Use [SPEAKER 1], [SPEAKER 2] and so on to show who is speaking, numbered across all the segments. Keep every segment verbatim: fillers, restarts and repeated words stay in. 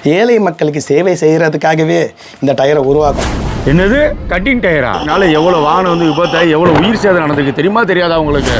[SPEAKER 1] ஏழை மக்களுக்கு சேவை செய்கிறதுக்காகவே இந்த டயரை உருவாக்கும்.
[SPEAKER 2] என்னது கட்டிங் டயரா? அதனால எவ்வளோ வாகனம் வந்து விபத்தாகி எவ்வளோ உயிர் சேதம் நடந்திருக்கு தெரியுமா தெரியாதா உங்களுக்கு?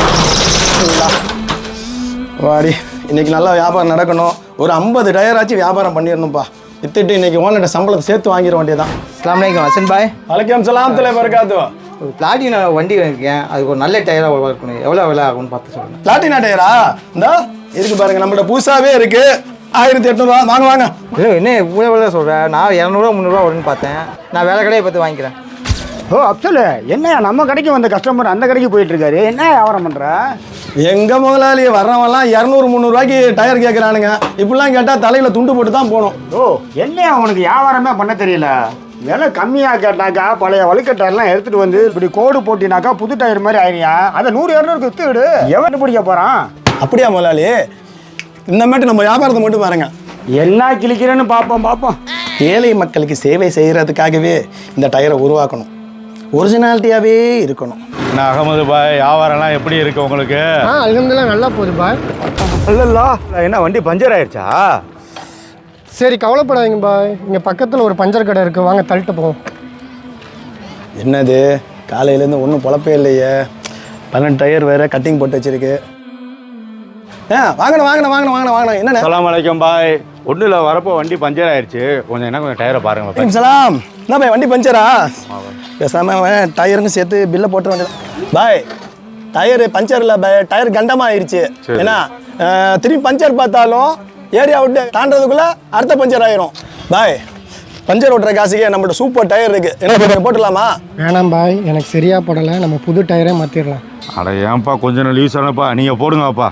[SPEAKER 1] வாடி, இன்னைக்கு நல்லா வியாபாரம் நடக்கணும். ஒரு ஐம்பது டயராச்சும் வியாபாரம் பண்ணிடணும்ப்பா. வித்துட்டு இன்னைக்கு ஓனர்கிட்ட சம்பளத்தை சேர்த்து வாங்கிட வேண்டியதான்.
[SPEAKER 3] அஸ்லாம் வலைக்கம் ஹசன் பாய்.
[SPEAKER 1] வலைக்கம் சலாம் தலை பரக்காத்து.
[SPEAKER 3] ஒரு பிளாட்டினா வண்டி இருக்கேன், அதுக்கு ஒரு நல்ல டயராக இருக்கணும். எவ்வளோ விலை ஆகும்னு பார்த்து சொல்லுங்கள்.
[SPEAKER 1] பிளாட்டினா டயரா? இந்தா இருக்கு பாருங்க, நம்மளோட புதுசாகவே இருக்கு. ஆயிரத்தி எட்நூறுவா வாங்க வாங்க.
[SPEAKER 3] இல்லை என்ன இவ்வளோ விலை சொல்கிறேன்? நான் இரநூறுவா முந்நூறுவா வரும்னு பார்த்தேன். நான் வேலை கடையை பார்த்து வாங்கிக்கிறேன்.
[SPEAKER 4] ஓ அப்சல், என்ன நம்ம கடைக்கு வந்த கஸ்டமர் அந்த கடைக்கு போயிட்டு இருக்காரு, என்ன வியாபாரம் பண்ற?
[SPEAKER 1] எங்க முதலாளி வர்றவன்லாம் இரநூறு முந்நூறுவாய்க்கு டயர் கேட்குறானுங்க. இப்படிலாம் கேட்டால் தலையில துண்டு போட்டு தான் போகணும்.
[SPEAKER 4] ஓ என்ன அவனுக்கு வியாபாரமே பண்ண தெரியல. விலை கம்மியாக கேட்டாக்கா பழைய வழுக்க டயர்லாம் எடுத்துட்டு வந்து இப்படி கோடு போட்டினாக்கா புது டயர் மாதிரி ஆயிரியா. அதை நூறு இரநூறுக்கு வித்து விடு, எவன் பிடிக்க போறான்?
[SPEAKER 1] அப்படியா முதலாளி? இந்த மாதிரி நம்ம வியாபாரத்தை மட்டும் பாருங்க.
[SPEAKER 4] என்ன கிழிக்கிறேன்னு பார்ப்போம் பார்ப்போம்.
[SPEAKER 1] ஏழை மக்களுக்கு சேவை செய்கிறதுக்காகவே இந்த டயரை உருவாக்கணும். ஒரிஜினாலிட்டியாகவே இருக்கணும்.
[SPEAKER 2] என்ன அகமது பாய், வியாபாரம்லாம் எப்படி இருக்கு உங்களுக்கு?
[SPEAKER 5] ஆ அல்ஹம்துலில்லாஹ் நல்லா போகுது பாய்.
[SPEAKER 2] இல்லல்லா, என்ன வண்டி பஞ்சர் ஆயிடுச்சா?
[SPEAKER 5] சரி கவலைப்படாதீங்க பாய், இங்கே பக்கத்தில் ஒரு பஞ்சர் கடை இருக்குது, வாங்க தள்ளிட்டு போவோம்.
[SPEAKER 1] என்னது காலையிலேருந்து ஒன்றும் பொழப்பே இல்லையே. பன்னெண்டு டயர் வேறு கட்டிங் போட்டு வச்சிருக்கு. ஆ வாங்கணும் வாங்கணும் வாங்கணும் வாங்கணும் வாங்கணும். என்னண்ணே?
[SPEAKER 2] அஸ்ஸலாமு அலைக்கும் பாய். ஒன்றும் இல்லை, வரப்போ வண்டி பஞ்சர் ஆயிடுச்சு. கொஞ்சம் என்ன கொஞ்சம் டயரை பாருங்க பாய்.
[SPEAKER 1] சலாம். என்ன பாய் வண்டி பஞ்சரா? பேசாம டயருன்னு சேர்த்து பில்லை போட்டு வேண்டியதான் பாய். டயரு பஞ்சர் இல்லை பாய், டயர் கண்டமாக ஆயிடுச்சு. ஏன்னா திரும்பி பஞ்சர் பார்த்தாலும் ஏரியா விட்டு தாண்டதுக்குள்ளே அடுத்த பஞ்சர் ஆயிரும் பாய். பஞ்சர் ஓட்டுற காசுக்கே நம்மளோட சூப்பர் டயர் இருக்கு, என்ன போட்டுடலாமா?
[SPEAKER 5] வேணாம் பாய், எனக்கு சரியா படலை, நம்ம புது டயரே மாற்றிடலாம்.
[SPEAKER 2] அட ஏன்ப்பா கொஞ்சம் நாள் யூஸ் ஆனப்பா, நீங்கள் போடுங்கப்பா.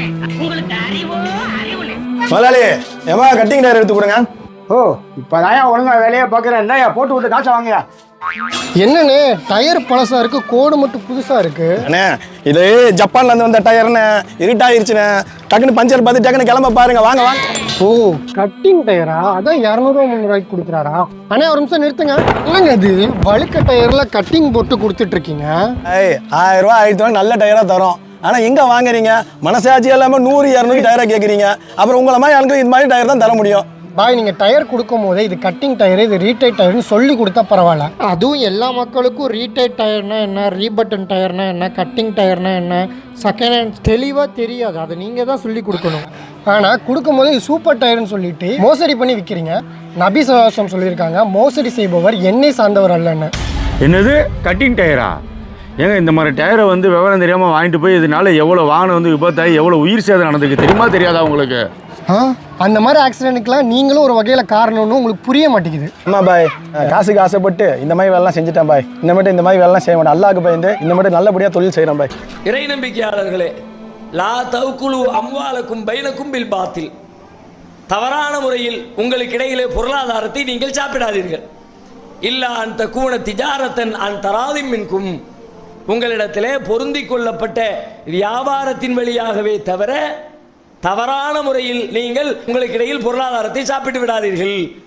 [SPEAKER 1] முதலாளி ஏமா கட்டிங் டயர் எடுத்து கொடுங்க.
[SPEAKER 4] ஓ இப்போதான் ஒழுங்கா வேலையை பார்க்குறேன். என்ன போட்டு விட்டு காசை வாங்க.
[SPEAKER 5] என்னண்ணே டயர் பழசா இருக்கு, கோடு மட்டும் புதுசா இருக்கு.
[SPEAKER 1] அண்ணே இது ஜப்பான்ல இருந்து வந்த டயர்னு இருட்டாயிருச்சுண்ணே. டக்குன்னு பஞ்சர் பார்த்து டக்குன்னு கிளம்ப பாருங்க. வாங்க வாங்க.
[SPEAKER 5] ஓ கட்டிங் டயரா? அதான் இரநூறுவா முந்நூறுவாய்க்கு கொடுக்குறாரா? அண்ணே ஒரு நிமிஷம் நிறுத்துங்க. என்னங்க அது வழுக்க டயர்ல கட்டிங் போட்டு கொடுத்துட்டு இருக்கீங்க?
[SPEAKER 1] ஏய் ஆயிரம் ரூபா ஆயிரத்தி ரூபா நல்ல டயரா தரோம். ஆனால் எங்கே வாங்குறீங்க? மனசாட்சி இல்லாமல் நூறு இரநூறு டயராக கேட்குறீங்க. அப்புறம் உங்களை மாதிரி ஆளுக்கு இது மாதிரி டயர் தான் தர முடியும்.
[SPEAKER 5] பாய் நீங்கள் டயர் கொடுக்கும் போதே இது கட்டிங் டயரு, இது ரீடைட் டயர்னு சொல்லி கொடுத்தா பரவாயில்ல. அதுவும் எல்லா மக்களுக்கும் ரீடைட் டயர்னா என்ன, ரீபட்டன் டயர்னா என்ன, கட்டிங் டயர்னா என்ன, செகண்ட் ஹேண்ட் தெளிவாக தெரியாது. அதை நீங்கள் தான் சொல்லி கொடுக்கணும். ஆனால் கொடுக்கும்போது இது சூப்பர் டயர்னு சொல்லிட்டு மோசடி பண்ணி விற்கிறீங்க. நபி சவாசம் சொல்லியிருக்காங்க, மோசடி செய்பவர் எண்ணெய் சார்ந்தவர் அல்லன்னு.
[SPEAKER 2] என்னது கட்டிங் டயரா? ஏங்க இந்த மாதிரி டயரை வந்து விவரம் தெரியாமல் வாங்கிட்டு போய் இதனால எவ்வளோ வாகனம் வந்து விபத்தாகி எவ்வளோ உயிர் சேதம் நடந்திருக்கு தெரியுமா தெரியாதா உங்களுக்கு?
[SPEAKER 5] ஆ அந்த மாதிரி ஆக்சிடென்ட்டுக்கெலாம் நீங்களும் ஒரு வகையில் காரணம்னு உங்களுக்கு புரிய மாட்டேங்குது.
[SPEAKER 1] ஆமாம் பாய், காசுக்கு ஆசைப்பட்டு இந்த மாதிரி வேலைலாம் செஞ்சுட்டேன் பாய். இந்த மட்டும் இந்த மாதிரி வேலைலாம் செய்ய மாட்டேன். அல்லாஹ்க்கு பயந்து இந்த மட்டும் நல்லபடியாக தொழில் செய்கிறேன் பாய்.
[SPEAKER 6] இறை நம்பிக்கையாளர்களே, லா தவுக்குழு அம்வாலக்கும் பைனக்கும் பில் பாத்தில், தவறான முறையில் உங்களுக்கு இடையிலே பொருளாதாரத்தை நீங்கள் சாப்பிடாதீர்கள். இல்லா அந்த கூண திஜாரத்தன் அன் தராதிம் மின்கும், உங்களிடத்திலே பொருந்தி கொள்ளப்பட்ட வியாபாரத்தின் வழியாகவே தவிர தவறான முறையில் நீங்கள் உங்களுக்கு இடையில் பொருளாதாரத்தை சாப்பிட்டு விடாதீர்கள்.